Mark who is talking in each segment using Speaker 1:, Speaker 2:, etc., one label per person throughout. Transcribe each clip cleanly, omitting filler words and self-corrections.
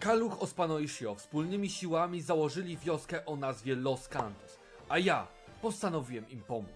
Speaker 1: Kaluch Ospano i Shio wspólnymi siłami założyli wioskę o nazwie Los Cantos, a ja postanowiłem im pomóc.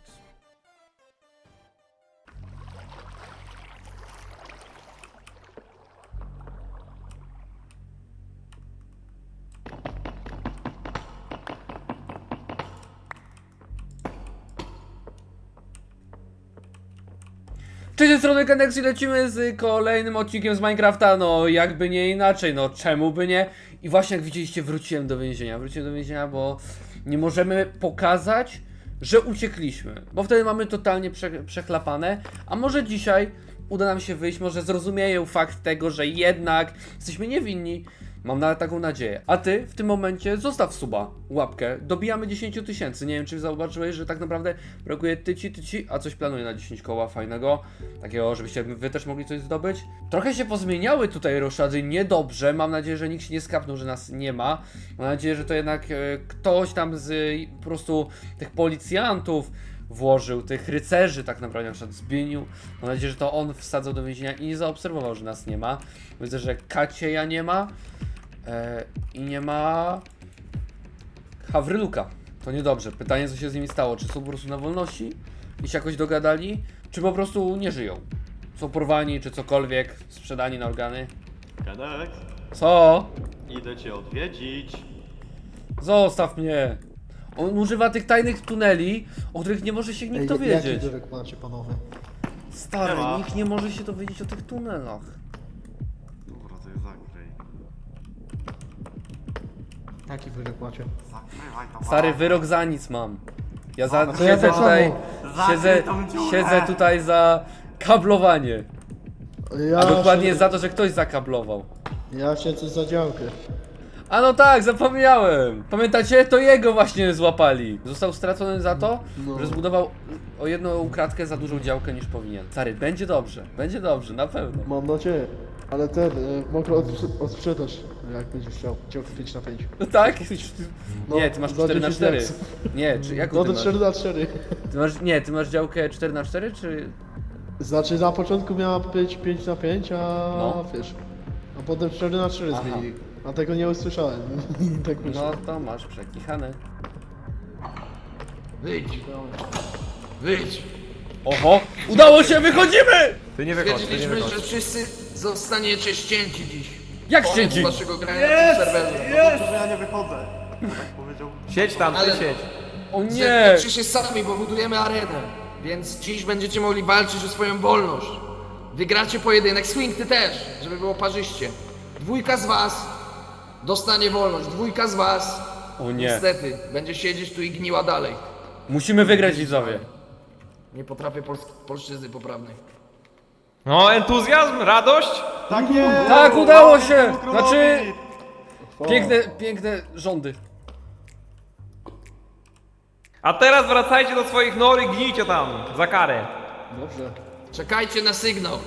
Speaker 1: Cześć, z strony Kendex i lecimy z kolejnym odcinkiem z Minecrafta, no jakby nie inaczej, no czemu by nie? I właśnie jak widzieliście wróciłem do więzienia, bo nie możemy pokazać, że uciekliśmy, bo wtedy mamy totalnie przechlapane, a może dzisiaj uda nam się wyjść, może zrozumieją fakt tego, że jednak jesteśmy niewinni. Mam nawet taką nadzieję. A ty w tym momencie zostaw suba, łapkę. Dobijamy 10 000. Nie wiem, czy zauważyłeś, że tak naprawdę brakuje tyci, a coś planuję na 10 koła fajnego. Takiego, żebyście wy też mogli coś zdobyć. Trochę się pozmieniały tutaj roszady, niedobrze. Mam nadzieję, że nikt się nie skapnął, że nas nie ma. Mam nadzieję, że to jednak ktoś tam z po prostu tych policjantów włożył, tych rycerzy tak naprawdę, na przykład Zbigniew. Mam nadzieję, że to on wsadzał do więzienia i nie zaobserwował, że nas nie ma. Widzę, że Kacieja nie ma. I nie ma Hawryluka. To niedobrze. Pytanie, co się z nimi stało. Czy są po prostu na wolności i się jakoś dogadali, czy po prostu nie żyją? Są porwani, czy cokolwiek, sprzedani na organy?
Speaker 2: Kendex,
Speaker 1: Co?
Speaker 2: idę cię odwiedzić.
Speaker 1: Zostaw mnie. On używa tych tajnych tuneli, o których nie może się nikt dowiedzieć.
Speaker 3: Jaki wyrok macie, panowie?
Speaker 1: Stary,
Speaker 2: Nie ma.
Speaker 1: nikt nie może się dowiedzieć o tych tunelach.
Speaker 2: Dobra, to je zakryj.
Speaker 3: Jaki wyrok macie?
Speaker 2: Zakrywaj to.
Speaker 1: Stary, wyrok za nic mam. Ja
Speaker 3: to ja
Speaker 1: siedzę
Speaker 3: tak
Speaker 1: tutaj,
Speaker 3: samo.
Speaker 1: siedzę tutaj za kablowanie. A dokładnie za to, że ktoś zakablował.
Speaker 3: Ja siedzę za działkę.
Speaker 1: A no tak, zapomniałem. Pamiętacie? To jego właśnie złapali. Został stracony za to,
Speaker 3: No.
Speaker 1: że zbudował o jedną kratkę za dużą działkę niż powinien. Stary, będzie dobrze, na pewno.
Speaker 3: Mam nadzieję. Ale ten, mogę odsprzedać, jak będziesz chciał. Działkę 5 na 5.
Speaker 1: No tak?
Speaker 3: No,
Speaker 1: Nie, ty masz
Speaker 3: za
Speaker 1: 4 na
Speaker 3: 10
Speaker 1: 4.
Speaker 3: diaksów.
Speaker 1: Nie, czy jaką
Speaker 3: No
Speaker 1: ty
Speaker 3: to
Speaker 1: masz?
Speaker 3: 4 na 4.
Speaker 1: Ty masz działkę 4 na 4 czy...
Speaker 3: Znaczy na początku miała być 5 na 5, a
Speaker 1: No.
Speaker 3: wiesz. A potem 4 na 4
Speaker 1: Aha.
Speaker 3: zmienili. A tego nie usłyszałem. I tak wyszło.
Speaker 1: No to masz przekichane.
Speaker 4: Wyjdź!
Speaker 1: Oho! Udało się, wychodzimy!
Speaker 5: Ty nie wychodź, ty nie
Speaker 4: Stwierdziliśmy,
Speaker 5: wychodź.
Speaker 4: że wszyscy zostaniecie ścięci dziś.
Speaker 1: Jak
Speaker 4: Koniec
Speaker 1: ścięci?
Speaker 4: waszego grania na tym serwerze.
Speaker 2: To, że ja nie wychodzę. Tak powiedział.
Speaker 5: Siedź tam, ty
Speaker 4: Ale-
Speaker 5: siedź.
Speaker 1: O nie!
Speaker 4: Zetknijcie się sami, bo budujemy arenę. Więc dziś będziecie mogli walczyć o swoją wolność. Wygracie pojedynek, Swing ty też, żeby było parzyście. 2 z was dostanie wolność, 2 z was
Speaker 1: O nie.
Speaker 4: niestety będzie siedzieć tu i gniła dalej.
Speaker 1: Musimy wygrać, widzowie.
Speaker 4: Nie potrafię polszczyzny poprawnej.
Speaker 5: No, entuzjazm, radość?
Speaker 2: Tak jest!
Speaker 1: Tak, udało się!
Speaker 2: Brawo temu
Speaker 1: Znaczy...
Speaker 2: królowi!
Speaker 1: Piękne rządy.
Speaker 5: A teraz wracajcie do swoich nor i gnijcie tam, za karę.
Speaker 3: Dobrze.
Speaker 4: Czekajcie na sygnał.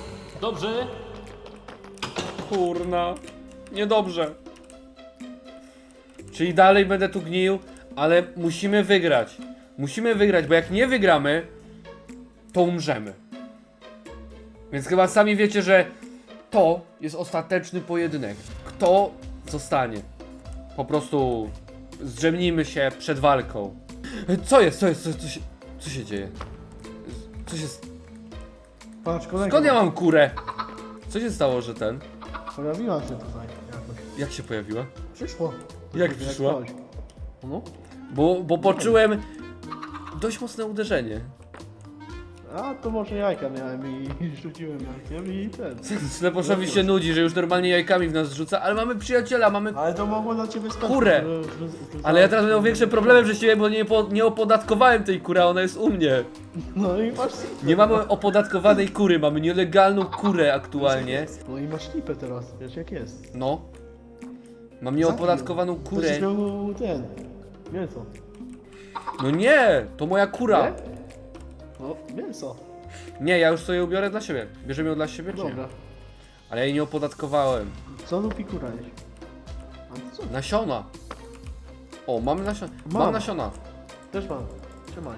Speaker 1: Kurna. Niedobrze. Czyli dalej będę tu gnił, ale musimy wygrać. Musimy wygrać, bo jak nie wygramy, to umrzemy. Więc chyba sami wiecie, że to jest ostateczny pojedynek. Kto zostanie? Po prostu zdrzemnijmy się przed walką. Co jest? Co się dzieje? Co się...
Speaker 3: Patrz, kolega.
Speaker 1: Skąd ja mam kurę? Co się stało, że ten...
Speaker 3: Pojawiła się tutaj jakoś.
Speaker 1: Jak się pojawiła?
Speaker 3: Przyszło.
Speaker 1: Jak przyszła?
Speaker 3: ktoś. No.
Speaker 1: Bo poczułem dość mocne uderzenie.
Speaker 3: A to może jajka miałem i rzuciłem jajkiem i ten.
Speaker 1: Śleposzowi się nudzi, że już normalnie jajkami w nas rzuca, ale mamy przyjaciela, mamy...
Speaker 3: Ale to mogło dla ciebie skończyć.
Speaker 1: Kurę. Ale ja teraz będę miał większe problemy przez ciebie, bo nie opodatkowałem tej kury, a ona jest u mnie.
Speaker 3: No i masz.
Speaker 1: Nie mamy opodatkowanej kury, mamy nielegalną kurę aktualnie.
Speaker 3: No i masz lipę teraz, wiesz jak jest.
Speaker 1: No. Mam nieopodatkowaną kurę.
Speaker 3: Będziesz miał ten. Mięso.
Speaker 1: No nie, to moja kura.
Speaker 3: Nie? No, mięso.
Speaker 1: Nie, ja już sobie ubiorę dla siebie. Bierzemy ją dla siebie, czy nie?
Speaker 3: Dobra.
Speaker 1: Ale ja jej nie opodatkowałem.
Speaker 3: Co lubi kura jeść? A to co?
Speaker 1: Nasiona. O, mamy nasiona. Mam
Speaker 3: Mam.
Speaker 1: nasiona.
Speaker 3: Też mam. Trzymaj.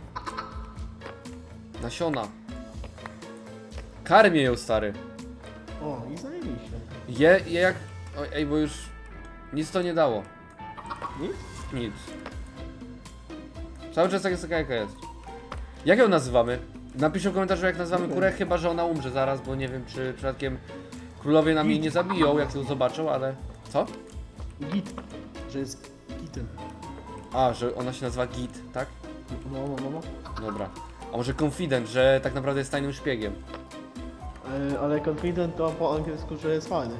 Speaker 1: Nasiona. Karmię ją, stary.
Speaker 3: O, i zajebiście.
Speaker 1: Je jak Oj, ej, bo już nic to nie dało.
Speaker 3: Nic?
Speaker 1: Nic. Cały czas tak jest taka jaka jest. Jak ją nazywamy? Napiszcie w komentarzu jak nazywamy kurę, chyba że ona umrze zaraz, bo nie wiem czy przypadkiem królowie nam jej nie zabiją jak ją zobaczą, ale... Co?
Speaker 3: Git. Że jest gitem.
Speaker 1: A, że ona się nazywa Git, tak?
Speaker 3: No.
Speaker 1: Dobra. A może Confident, że tak naprawdę jest tajnym szpiegiem?
Speaker 3: Ale confident to po angielsku, że jest fajny.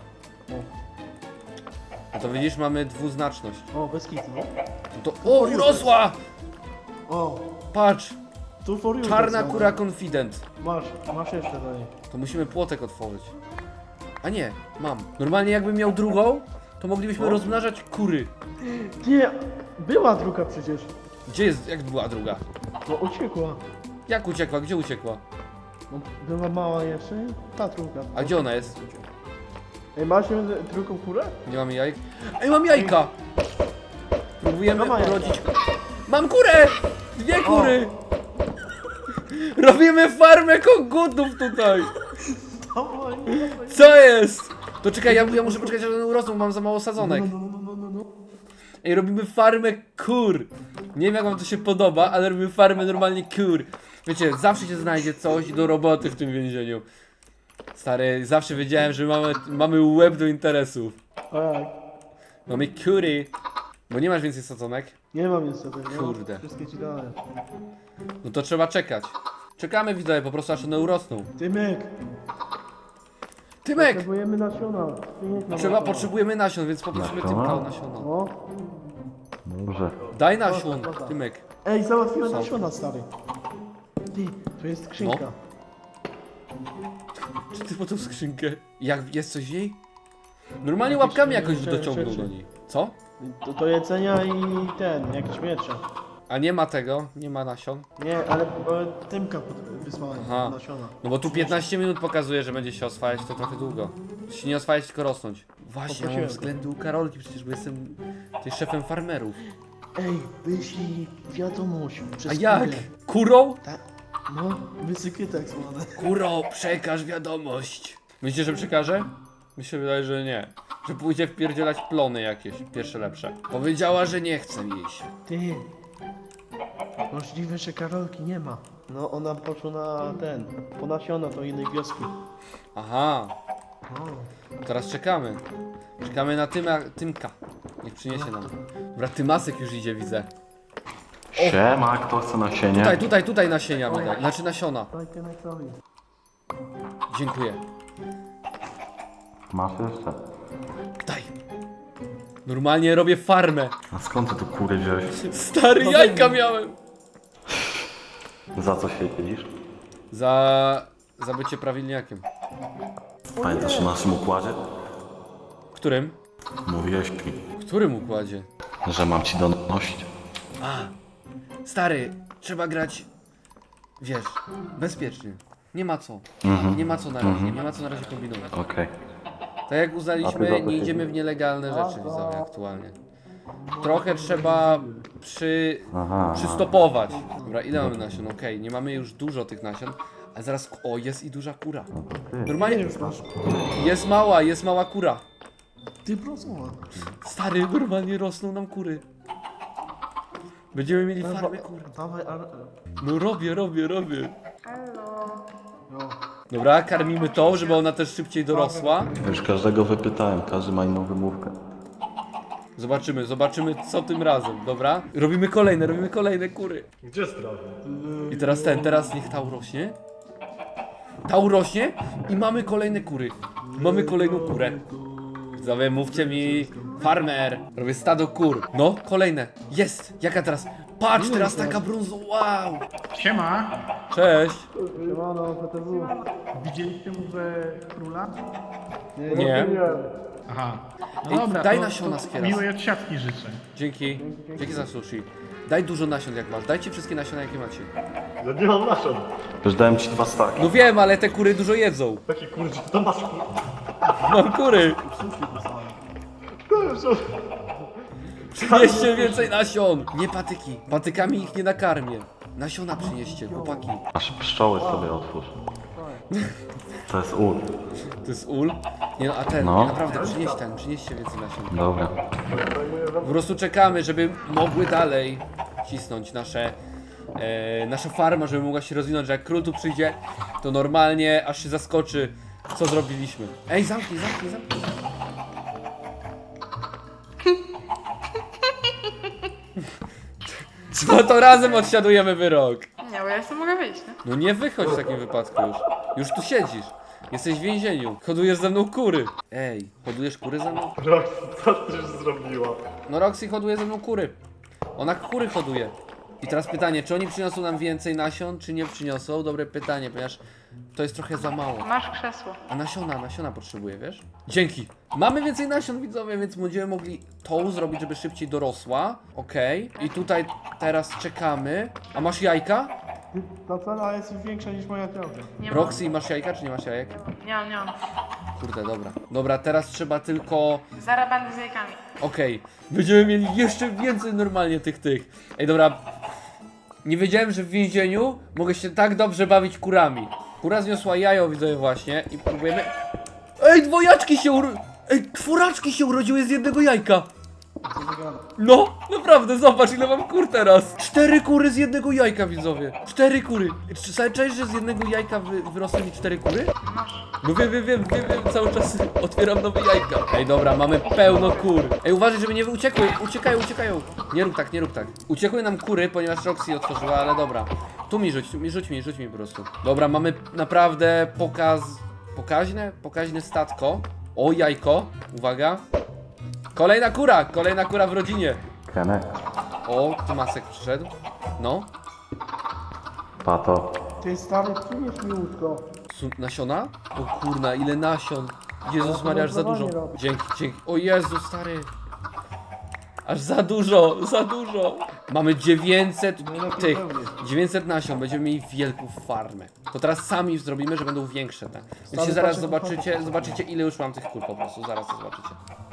Speaker 1: No to widzisz, mamy dwuznaczność.
Speaker 3: O, bez kitu, no.
Speaker 1: No to... O, urosła!
Speaker 3: O,
Speaker 1: Patrz!
Speaker 3: tu for you.
Speaker 1: Czarna
Speaker 3: tak samo.
Speaker 1: kura Confident.
Speaker 3: Masz jeszcze do niej.
Speaker 1: To musimy płotek otworzyć. A nie, mam. Normalnie jakbym miał drugą, to moglibyśmy rozmnażać kury.
Speaker 3: Nie, była druga przecież.
Speaker 1: Gdzie jest, jak była druga?
Speaker 3: No uciekła.
Speaker 1: Jak uciekła? Gdzie uciekła?
Speaker 3: No, była mała jeszcze, ta druga.
Speaker 1: A gdzie ona jest?
Speaker 3: Ej, masz drugą kurę?
Speaker 1: Nie mamy jajek. Ej, mam jajka! Próbujemy
Speaker 3: No ma jajka.
Speaker 1: urodzić... Mam kurę! Dwie kury! Robimy farmę kogutów tutaj! Co jest? To czekaj, ja muszę poczekać, aż one urosną, mam za mało sadzonek.
Speaker 3: No.
Speaker 1: Ej, robimy farmę kur. Nie wiem jak wam to się podoba, ale robimy farmę normalnie kur. Wiecie, zawsze się znajdzie coś do roboty w tym więzieniu. Stary, zawsze wiedziałem, że mamy łeb do interesów.
Speaker 3: Tak.
Speaker 1: Mamy kury. Bo nie masz więcej sadzonek?
Speaker 3: Nie mam niestety, nie?
Speaker 1: Kurde.
Speaker 3: Wszystkie ci dałem.
Speaker 1: No to trzeba czekać. Czekamy widzowie, po prostu aż one urosną.
Speaker 3: Tymek!
Speaker 1: Tymek!
Speaker 3: Potrzebujemy nasiona.
Speaker 1: Potrzebujemy nasion, więc poprosimy Tymka o nasiona.
Speaker 3: No.
Speaker 6: Dobrze.
Speaker 1: Daj nasion, Tymek.
Speaker 3: Ej, załatwiłem
Speaker 1: Co?
Speaker 3: nasiona, stary. Ty, tu jest skrzynka.
Speaker 1: No. Czy ty po tą skrzynkę? Jak jest coś w niej? Normalnie
Speaker 3: Jakieś
Speaker 1: łapkami jakoś
Speaker 3: rzeczy.
Speaker 1: dociągnął do niej. Co?
Speaker 3: Do jedzenia i jakieś miecze.
Speaker 1: A nie ma tego? Nie ma nasion?
Speaker 3: Nie, ale Tymka wysłałem
Speaker 1: Aha.
Speaker 3: nasiona.
Speaker 1: No bo tu 15 minut pokazuje, że będzie się oswajać, to trochę długo. Się nie oswajać, tylko rosnąć. Właśnie, ja mam
Speaker 3: Poprosiłem.
Speaker 1: względy u Karolki, przecież bo jestem tutaj szefem farmerów.
Speaker 3: Ej, wyślij wiadomość przez
Speaker 1: A jak?
Speaker 3: kurę.
Speaker 1: Kurą?
Speaker 3: No, wysypie tak zwane.
Speaker 1: Kuro, przekaż wiadomość. Myślicie, że przekaże? Mi się wydaje, że nie. Że pójdzie wpierdzielać plony jakieś, pierwsze lepsze. Powiedziała, że nie chce jeść.
Speaker 3: Ty. Możliwe, że Karolki nie ma. No, ona poszła na po nasiona do innej wioski.
Speaker 1: Aha, teraz czekamy. Czekamy na Tymka. Niech przyniesie nam. Dobra, Tymasek już idzie, widzę.
Speaker 6: Siema, kto chce nasienie?
Speaker 1: Tutaj nasienia będę. Znaczy nasiona.
Speaker 3: Daj Tymkowi.
Speaker 1: Dziękuję.
Speaker 6: Masz jeszcze?
Speaker 1: Daj. Normalnie robię farmę.
Speaker 6: A skąd ty tu kury wziąłeś?
Speaker 1: Stary, jajka miałem.
Speaker 6: Za co się dzielisz?
Speaker 1: Za bycie prawilniakiem.
Speaker 6: Pamiętasz o naszym układzie?
Speaker 1: Którym?
Speaker 6: Mówiłeś mi,
Speaker 1: W którym układzie?
Speaker 6: że mam ci donosić.
Speaker 1: Stary, trzeba grać, wiesz, bezpiecznie. Nie ma co. Nie ma co na razie, nie ma co na razie kombinować.
Speaker 6: Okej.
Speaker 1: Tak jak
Speaker 6: A ty
Speaker 1: uznaliśmy,
Speaker 6: za to
Speaker 1: nie idziemy w nielegalne rzeczy, widzowie, aktualnie. Trochę trzeba przystopować. Dobra, ile mamy nasion? Okej, nie mamy już dużo tych nasion, ale zaraz, o, jest i duża kura. Normalnie,
Speaker 3: Już masz.
Speaker 1: jest mała kura.
Speaker 3: Ty prosuła.
Speaker 1: Stary, normalnie rosną nam kury. Będziemy mieli farmę kur.
Speaker 3: Dawaj, ale...
Speaker 1: No robię. Dobra, karmimy tą, żeby ona też szybciej dorosła.
Speaker 6: Już każdego wypytałem, każdy ma inną wymówkę.
Speaker 1: Zobaczymy co tym razem, dobra? Robimy kolejne kury.
Speaker 2: Gdzie strawy?
Speaker 1: I teraz niech ta urośnie. Ta urośnie i mamy kolejne kury. Mamy kolejną kurę. Widzowie, mówcie mi, farmer. Robię stado kur. No, kolejne. Jest. Jaka teraz? Patrz, teraz taka brązowa. Wow.
Speaker 7: Siema,
Speaker 1: Cześć.
Speaker 3: Siemano, PTW.
Speaker 7: widzieliście mowę króla?
Speaker 1: Nie.
Speaker 7: Aha. No
Speaker 1: Ej,
Speaker 7: dobra,
Speaker 1: daj
Speaker 7: to
Speaker 1: nasiona z kieras.
Speaker 7: miłej odsiadki życzę.
Speaker 1: Dzięki za sushi. Daj dużo nasion jak masz. Dajcie wszystkie nasiona jakie macie.
Speaker 2: Ja nie mam nasion.
Speaker 6: Już dałem ci 2 staki.
Speaker 1: No wiem, ale te kury dużo jedzą.
Speaker 2: Taki kurczę, to masz
Speaker 1: Mam kury. Przynieście więcej nasion. Nie patyki. Patykami ich nie nakarmię. Nasiona przynieście, chłopaki.
Speaker 6: Aż pszczoły sobie otwórz. To jest ul.
Speaker 1: To jest ul? Nie no, a ten,
Speaker 6: No.
Speaker 1: naprawdę, przynieście więcej nasion.
Speaker 6: Dobra.
Speaker 1: Po prostu czekamy, żeby mogły dalej cisnąć nasza farma, żeby mogła się rozwinąć, że jak król tu przyjdzie, to normalnie aż się zaskoczy, co zrobiliśmy. Ej, zamknij. No to razem odsiadujemy wyrok.
Speaker 8: Nie, bo ja jeszcze mogę wyjść, nie?
Speaker 1: No nie wychodź w takim wypadku już. Już tu siedzisz. Jesteś w więzieniu. Hodujesz ze mną kury. Ej, hodujesz kury ze mną?
Speaker 2: Roxy, co ty już zrobiła?
Speaker 1: No Roxy hoduje ze mną kury. Ona kury hoduje. I teraz pytanie, czy oni przyniosą nam więcej nasion, czy nie przyniosą? Dobre pytanie, ponieważ to jest trochę za mało.
Speaker 8: Masz krzesło.
Speaker 1: A nasiona potrzebuję, wiesz? Dzięki. Mamy więcej nasion, widzowie, więc będziemy mogli tą zrobić, żeby szybciej dorosła. Okej. I tutaj teraz czekamy. A masz jajka?
Speaker 3: Ta cena jest większa niż moja działka.
Speaker 8: Nie mam.
Speaker 1: Roxy, masz jajka, czy nie masz jajek?
Speaker 8: Nie mam.
Speaker 1: Kurde, dobra. Dobra, teraz trzeba tylko...
Speaker 8: Zaraz będę z jajkami.
Speaker 1: Okej. Będziemy mieli jeszcze więcej normalnie tych. Ej, dobra. Nie wiedziałem, że w więzieniu mogę się tak dobrze bawić kurami. Kura zniosła jajo, widzę właśnie, i próbujemy... Ej, dwojaczki się Ej, czworaczki się urodziły z jednego jajka. No, naprawdę, zobacz ile mam kur teraz. 4 kury z jednego jajka, widzowie. 4 kury. Czy czaisz, że z jednego jajka wyrosły mi 4 kury? No wiem, cały czas otwieram nowe jajka. Ej, dobra, mamy pełno kur. Ej, uważaj, żeby nie uciekły, uciekają. Nie rób tak. Uciekły nam kury, ponieważ Roxy otworzyła, ale dobra. Tu mi rzuć mi po prostu. Dobra, mamy naprawdę pokaźne statko. O, jajko, uwaga. Kolejna kura w rodzinie.
Speaker 6: Kenek.
Speaker 1: O, tu Masek przyszedł. No.
Speaker 6: Pato.
Speaker 3: Ty stary, przynieś mi łódko.
Speaker 1: Nasiona? O kurna, ile nasion. Jezus Maria, aż za dużo. Dzięki. O Jezu, stary. Aż za dużo. Mamy 900 nasion, będziemy mieli wielką farmę. To teraz sami zrobimy, że będą większe te. Więc się zaraz zobaczycie ile już mam tych kur po prostu, zaraz to zobaczycie.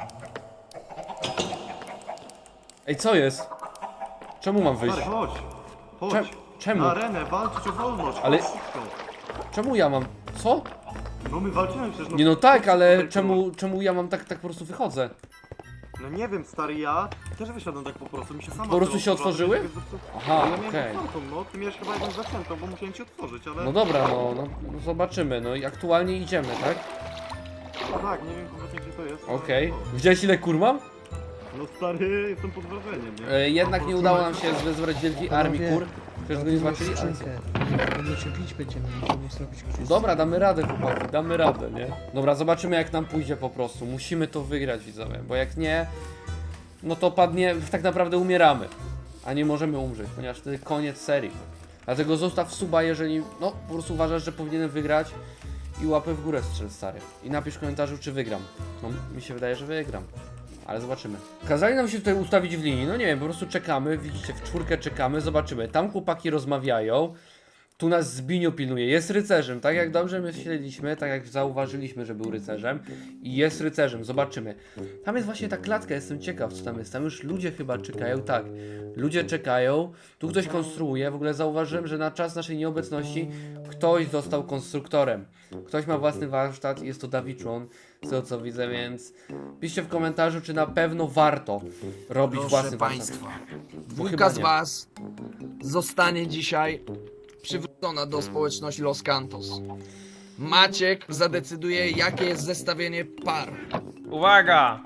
Speaker 1: Ej, co jest? Czemu mam wyjść?
Speaker 2: Stary, chodź.
Speaker 1: Czemu?
Speaker 2: Na arenę, walczyć o wolność.
Speaker 1: Ale-
Speaker 2: chodź szybko.
Speaker 1: Czemu ja mam... Co?
Speaker 2: No my walczymy przecież.
Speaker 1: Nie no tak, ale
Speaker 2: tutaj,
Speaker 1: czemu ja mam tak po prostu wychodzę?
Speaker 2: No nie wiem, stary, ja też wysiadłem tak po prostu, mi się sama
Speaker 1: Po prostu się
Speaker 2: otworzyła,
Speaker 1: otworzyły? Aha,
Speaker 2: Ja miałem
Speaker 1: okej.
Speaker 2: otwartą, no, ty miałeś chyba jakąś zaczętą, bo musiałem ci otworzyć, ale...
Speaker 1: No dobra, no zobaczymy, no i aktualnie idziemy, tak?
Speaker 2: No tak, nie wiem kompletnie gdzie to jest. ale-
Speaker 1: Okej. Widziałeś ile kur mam?
Speaker 2: No stary, jestem pod wrażeniem, nie?
Speaker 1: Jednak nie udało nam się zebrać wielkiej armii kur. Przecież go nie zobaczyli, ale co?
Speaker 3: Będziecie bić, będziemy musieli zrobić krzywdę.
Speaker 1: Dobra, damy radę, chłopaki, damy radę, nie? Dobra, zobaczymy jak nam pójdzie po prostu. Musimy to wygrać, widzowie, bo jak nie, no to padnie, tak naprawdę umieramy. A nie możemy umrzeć, ponieważ wtedy koniec serii. Dlatego zostaw suba, jeżeli, no, po prostu uważasz, że powinienem wygrać i łapę w górę strzel, stary. I napisz w komentarzu, czy wygram. No, mi się wydaje, że wygram. Ale zobaczymy. Kazali nam się tutaj ustawić w linii, no nie wiem, po prostu czekamy, widzicie, w czwórkę czekamy, zobaczymy. Tam chłopaki rozmawiają, tu nas Zbiniu pilnuje, jest rycerzem, tak jak dobrze myśleliśmy, tak jak zauważyliśmy, że był rycerzem i jest rycerzem, zobaczymy. Tam jest właśnie ta klatka, jestem ciekaw co tam jest, tam już ludzie chyba czekają, tak, ludzie czekają, tu ktoś konstruuje, w ogóle zauważyłem, że na czas naszej nieobecności ktoś został konstruktorem. Ktoś ma własny warsztat, jest to Davichon, z tego co widzę, więc piszcie w komentarzu, czy na pewno warto robić
Speaker 4: Proszę
Speaker 1: własny warsztat.
Speaker 4: państwa,
Speaker 1: chyba
Speaker 4: dwójka z
Speaker 1: nie.
Speaker 4: was zostanie dzisiaj przywrócona do społeczności Los Cantos. Maciek zadecyduje, jakie jest zestawienie par.
Speaker 5: Uwaga!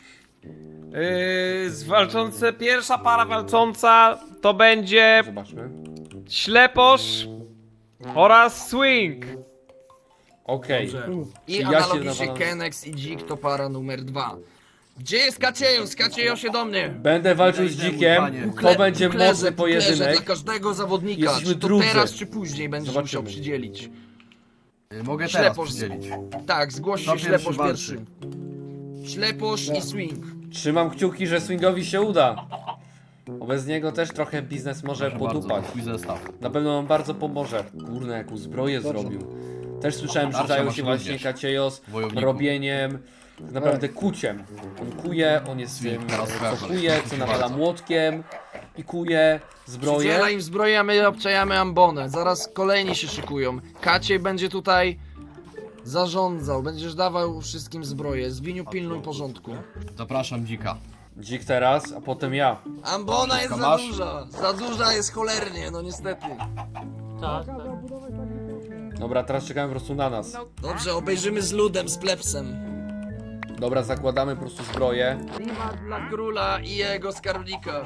Speaker 5: Pierwsza para walcząca to będzie
Speaker 1: Zobaczmy.
Speaker 5: śleposz oraz swing.
Speaker 1: Okej.
Speaker 4: I
Speaker 1: Czy ja się
Speaker 4: analogicznie
Speaker 1: nawalam?
Speaker 4: Kenex i Dzik to para numer 2. Gdzie jest Kaciejo? Kaciejo się do mnie!
Speaker 1: Będę walczył z dzikiem, to będzie mocny
Speaker 4: Dla
Speaker 1: pojedynek.
Speaker 4: każdego zawodnika,
Speaker 1: Jesteśmy
Speaker 4: czy to
Speaker 1: drudzy.
Speaker 4: teraz, czy później będziesz
Speaker 1: Zobaczymy.
Speaker 4: musiał przydzielić.
Speaker 9: Mogę teraz
Speaker 4: Śleposz,
Speaker 9: przydzielić.
Speaker 4: tak, zgłoś
Speaker 9: Kto
Speaker 4: się
Speaker 9: pierwszy
Speaker 4: śleposz
Speaker 9: walczy?
Speaker 4: pierwszy. Śleposz i swing.
Speaker 1: Trzymam kciuki, że swingowi się uda. Bo bez niego też trochę biznes może podupać.
Speaker 9: Twój zestaw.
Speaker 1: Na pewno nam bardzo pomoże. Kurna, jaką zbroję zrobił. Też słyszałem, że
Speaker 9: Tarczę
Speaker 1: zajął
Speaker 9: masz
Speaker 1: się właśnie
Speaker 9: również,
Speaker 1: Kaciejos
Speaker 9: wojowniku.
Speaker 1: robieniem, tak naprawdę kuciem. On kuje, on jest
Speaker 9: Swing,
Speaker 1: tym,
Speaker 9: teraz
Speaker 1: co
Speaker 9: pokażę.
Speaker 1: kuje, co nawala młotkiem pikuje zbroję.
Speaker 4: Przydziela im zbroję, a my obczajamy ambonę. Zaraz kolejni się szykują. Kaciej będzie tutaj zarządzał, będziesz dawał wszystkim zbroję. Zwiniu, pilnuj porządku.
Speaker 9: Zapraszam dzika.
Speaker 1: Dzik teraz, a potem ja.
Speaker 4: Ambona jest za
Speaker 9: Masz?
Speaker 4: duża. Za duża jest cholernie, no niestety.
Speaker 1: Dobra, teraz czekamy po prostu na nas.
Speaker 4: Dobrze, obejrzymy z ludem, z plebsem.
Speaker 1: Dobra, zakładamy po prostu zbroję.
Speaker 4: Klimat dla króla i jego skarbnika.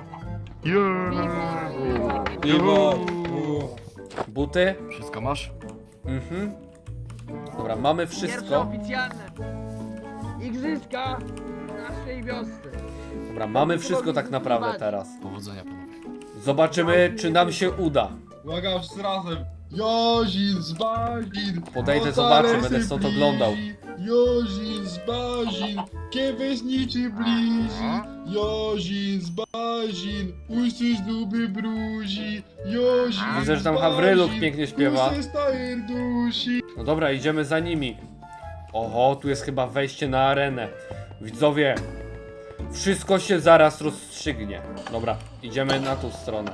Speaker 1: Buty.
Speaker 9: Wszystko masz?
Speaker 1: Mhm. Dobra, mamy
Speaker 4: Pierwsze
Speaker 1: wszystko.
Speaker 4: oficjalne igrzyska w naszej wiosce.
Speaker 1: Dobra, mamy wszystko tak naprawdę teraz.
Speaker 9: Powodzenia panowie.
Speaker 1: Zobaczymy, czy nam się uda.
Speaker 3: Uwaga, wszyscy razem. Jozin z Bazin.
Speaker 1: Podejdę, zobaczę, będę stąd oglądał.
Speaker 3: Jozin z Bazin, kiewesniczy blizi. Jozin z Bazin, usłysz duby bruzi. Jozin
Speaker 1: Widzę, że tam
Speaker 3: z
Speaker 1: Hawryluk
Speaker 3: Bazin,
Speaker 1: pięknie śpiewa.
Speaker 3: tu se stajer dusi.
Speaker 1: No dobra, idziemy za nimi. Oho, tu jest chyba wejście na arenę. Widzowie, wszystko się zaraz rozstrzygnie. Dobra, idziemy na tą stronę.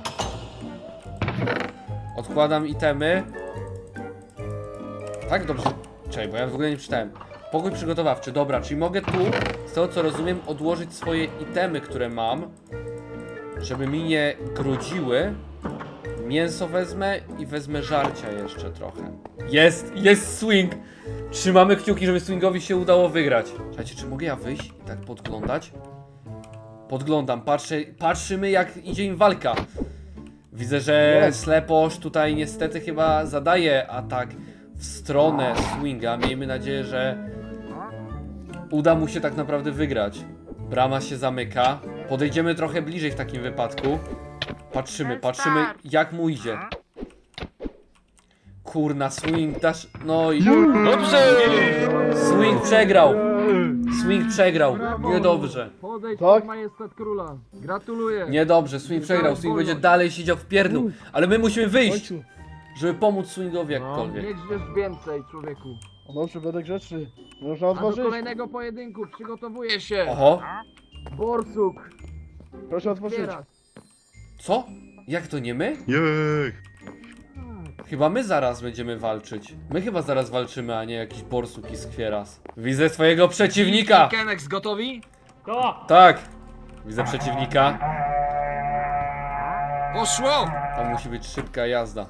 Speaker 1: Odkładam itemy. Tak, dobrze. Czekaj, bo ja w ogóle nie czytałem. Pokój przygotowawczy, dobra, czyli mogę tu, z tego co rozumiem, odłożyć swoje itemy, które mam, żeby mi nie grudziły. Mięso wezmę i wezmę żarcia jeszcze trochę. Jest swing! Trzymamy kciuki, żeby swingowi się udało wygrać. Słuchajcie, czy mogę ja wyjść i tak podglądać? Podglądam, patrzymy jak idzie im walka. Widzę, że Sleposz tutaj niestety chyba zadaje atak w stronę swinga. Miejmy nadzieję, że uda mu się tak naprawdę wygrać. Brama się zamyka. Podejdziemy trochę bliżej w takim wypadku. Patrzymy jak mu idzie. Kurna, swing dasz... No i...
Speaker 5: Dobrze!
Speaker 1: Swing przegrał! Swing przegrał. Niedobrze.
Speaker 4: Podejdź
Speaker 3: Tak?
Speaker 4: majestat króla. Gratuluję.
Speaker 1: Niedobrze, swing przegrał. Swing będzie dalej siedział w pierdlu. Ale my musimy wyjść, żeby pomóc swingowi jakkolwiek.
Speaker 4: Niech wiesz więcej, człowieku.
Speaker 3: O dobrze, będę grzeczny. Można
Speaker 4: A do
Speaker 3: otworzyć?
Speaker 4: kolejnego pojedynku przygotowuję się.
Speaker 1: Oho,
Speaker 4: Borsuk.
Speaker 3: Proszę otworzyć.
Speaker 4: Zbiera.
Speaker 1: co? Jak to nie my? Chyba my zaraz będziemy walczyć. My chyba zaraz walczymy, a nie jakiś borsuk i skwieras. Widzę swojego przeciwnika!
Speaker 4: Kenex, gotowi?
Speaker 1: Tak! Widzę przeciwnika.
Speaker 4: Poszło!
Speaker 1: Tam musi być szybka jazda.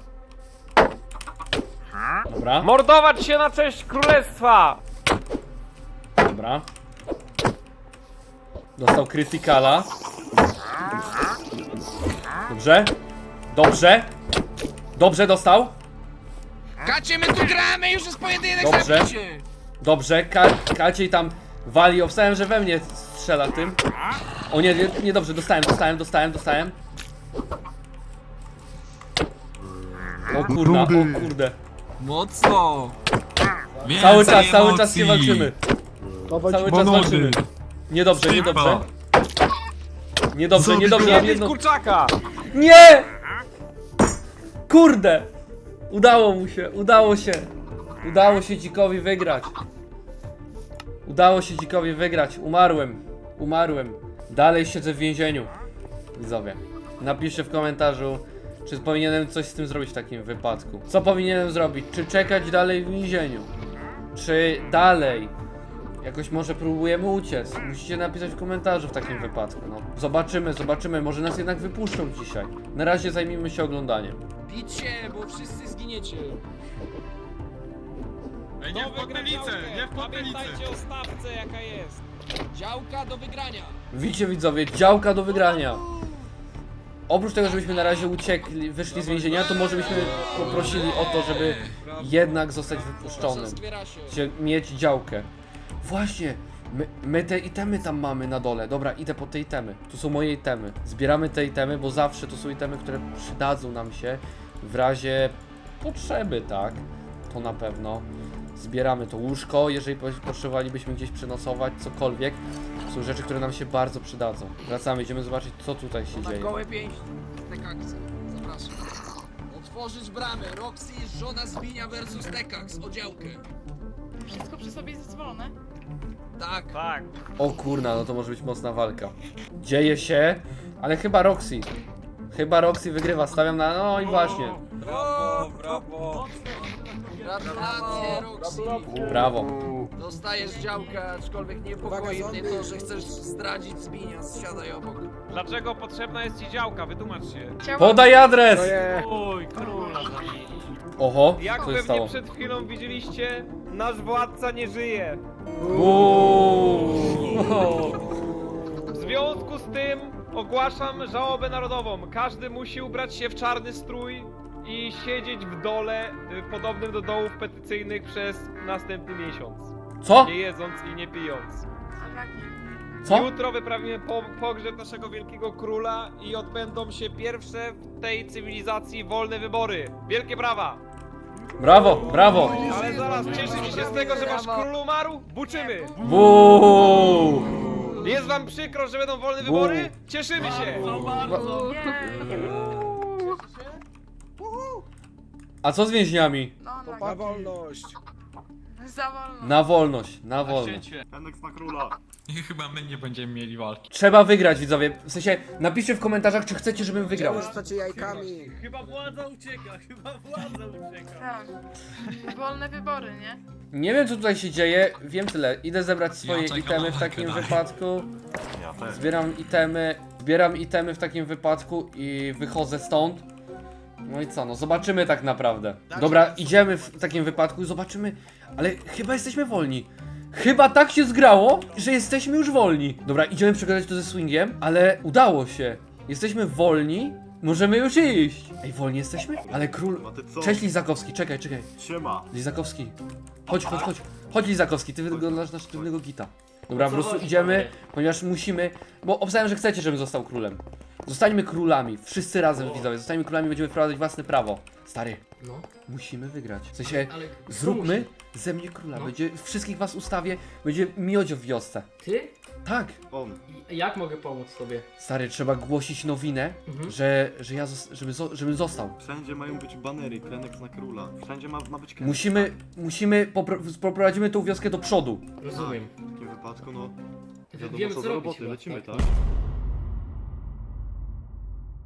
Speaker 1: Dobra,
Speaker 5: Mordować się na cześć królestwa!
Speaker 1: dobra. Dostał krytykala. Dobrze. Dobrze. Dobrze dostał.
Speaker 4: Kacie, my tu gramy, już jest pojedynek,
Speaker 1: Dobrze.
Speaker 4: zabijcie!
Speaker 1: Dobrze, Kaciej tam wali. Obstałem, że we mnie strzela tym. O nie, nie dobrze, dostałem. O kurna, o kurde.
Speaker 4: Mocno!
Speaker 1: Cały czas się walczymy.
Speaker 3: Dawaj,
Speaker 1: Cały czas walczymy. Niedobrze. Niedobrze.
Speaker 5: Jedz kurczaka!
Speaker 1: Nie! Kurde! Udało się dzikowi wygrać. Umarłem. Dalej siedzę w więzieniu. Widzowie, napiszcie w komentarzu, czy powinienem coś z tym zrobić w takim wypadku. Co powinienem zrobić? Czy czekać dalej w więzieniu? Czy dalej jakoś może próbujemy uciec? Musicie napisać w komentarzu w takim wypadku. No, zobaczymy, może nas jednak wypuszczą dzisiaj. Na razie zajmijmy się oglądaniem.
Speaker 4: Bić się, bo wszyscy zginiecie.
Speaker 7: Ej, nie w potylnicę, nie w potylnicę.
Speaker 5: Pamiętajcie o stawce jaka jest.
Speaker 4: Działka do wygrania.
Speaker 1: Widzicie widzowie, działka do wygrania. Oprócz tego, żebyśmy na razie wyszli z więzienia, to może byśmy poprosili o to, żeby jednak zostać wypuszczonym.
Speaker 4: Zbiera się.
Speaker 1: Mieć działkę. Właśnie, my te itemy tam mamy na dole. Dobra, idę po te itemy. Tu są moje itemy. Zbieramy te itemy, bo zawsze to są itemy, które przydadzą nam się w razie potrzeby, tak? To na pewno. Zbieramy to łóżko, jeżeli potrzebowalibyśmy gdzieś przenocować, cokolwiek. Są rzeczy, które nam się bardzo przydadzą. Wracamy, idziemy zobaczyć, co tutaj się
Speaker 4: Na
Speaker 1: dzieje.
Speaker 4: gołe pięści. Tekaksy. Zapraszam. Otworzyć bramy. Roxy jest żona Zbinia versus Tekaks. O działkę.
Speaker 8: Wszystko przy sobie jest zezwolone.
Speaker 4: Tak.
Speaker 5: Tak.
Speaker 1: O kurna, no to może być mocna walka. Dzieje się, ale chyba Roxy. Chyba Roxy wygrywa, stawiam na... No i właśnie.
Speaker 5: Brawo, brawo.
Speaker 4: Gratulacje, Roxy.
Speaker 1: Brawo.
Speaker 4: Dostajesz działkę, aczkolwiek niepokoi mnie to, że chcesz zdradzić Zbinias. Siadaj obok.
Speaker 5: Dlaczego potrzebna jest ci działka? Wytłumacz się.
Speaker 8: Chciałam...
Speaker 1: Podaj adres!
Speaker 5: Oj, króla.
Speaker 1: Oho,
Speaker 5: Jak
Speaker 1: co się
Speaker 5: pewnie
Speaker 1: stało?
Speaker 5: przed chwilą widzieliście, nasz władca nie żyje. W związku z tym ogłaszam żałobę narodową. Każdy musi ubrać się w czarny strój i siedzieć w dole podobnym do dołów petycyjnych przez następny miesiąc.
Speaker 1: Co?
Speaker 5: Nie jedząc i nie pijąc.
Speaker 1: Co?
Speaker 5: Jutro wyprawimy pogrzeb naszego wielkiego króla i odbędą się pierwsze w tej cywilizacji wolne wybory. Wielkie brawa!
Speaker 1: Brawo, brawo!
Speaker 5: Ale zaraz cieszycie się z tego, że wasz król umarł? Buczymy!
Speaker 1: Buu!
Speaker 5: Jest wam przykro, że będą wolne wybory? Cieszymy się!
Speaker 1: A co z więźniami?
Speaker 8: No, na wolność. Za wolność.
Speaker 1: Na wolność, na wolność.
Speaker 2: Enex na króla.
Speaker 7: I chyba my nie będziemy mieli walki.
Speaker 1: Trzeba wygrać, widzowie. W sensie, napiszcie w komentarzach, czy chcecie, żebym wygrał.
Speaker 5: Chyba władza ucieka,
Speaker 8: Tak. Wolne wybory, nie?
Speaker 1: Nie wiem, co tutaj się dzieje. Wiem tyle. Idę zebrać swoje
Speaker 7: czekam
Speaker 1: itemy
Speaker 7: na
Speaker 1: w
Speaker 7: walkę
Speaker 1: takim
Speaker 7: dalej.
Speaker 1: wypadku.
Speaker 6: Ja też.
Speaker 1: Zbieram itemy w takim wypadku i wychodzę stąd. No i co, no zobaczymy tak naprawdę. Dobra, idziemy w takim wypadku i zobaczymy, ale chyba jesteśmy wolni. Chyba tak się zgrało, że jesteśmy już wolni. Dobra, idziemy przegadać to ze swingiem, ale udało się. Jesteśmy wolni, możemy już iść. Ej, wolni jesteśmy? Ale król...
Speaker 2: A ty co?
Speaker 1: Cześć Lizakowski, czekaj.
Speaker 2: Siema.
Speaker 1: Lizakowski. Chodź Lizakowski, ty wyglądasz na sztywnego gita. Dobra, po prostu idziemy, ponieważ musimy, bo obstawiam, że chcecie, żebym został królem. Zostańmy królami, wszyscy razem widzowie, zostańmy królami, będziemy wprowadzać własne prawo. Stary, musimy wygrać. W sensie, zróbmy ze mnie króla, będzie, wszystkich was ustawię, będzie miodzio w wiosce.
Speaker 10: Ty?
Speaker 1: Tak,
Speaker 2: On.
Speaker 10: Jak mogę pomóc tobie?
Speaker 1: stary, trzeba głosić nowinę, że ja, żebym został.
Speaker 2: Wszędzie mają być banery, Enex na króla. Wszędzie ma być Enex.
Speaker 1: Poprowadzimy tą wioskę do przodu.
Speaker 10: Rozumiem.
Speaker 2: W takim wypadku, no...
Speaker 10: Wiem
Speaker 2: Wiadomo co do
Speaker 10: zrobić
Speaker 2: roboty,
Speaker 10: chyba,
Speaker 2: lecimy,
Speaker 10: tak?
Speaker 2: tak?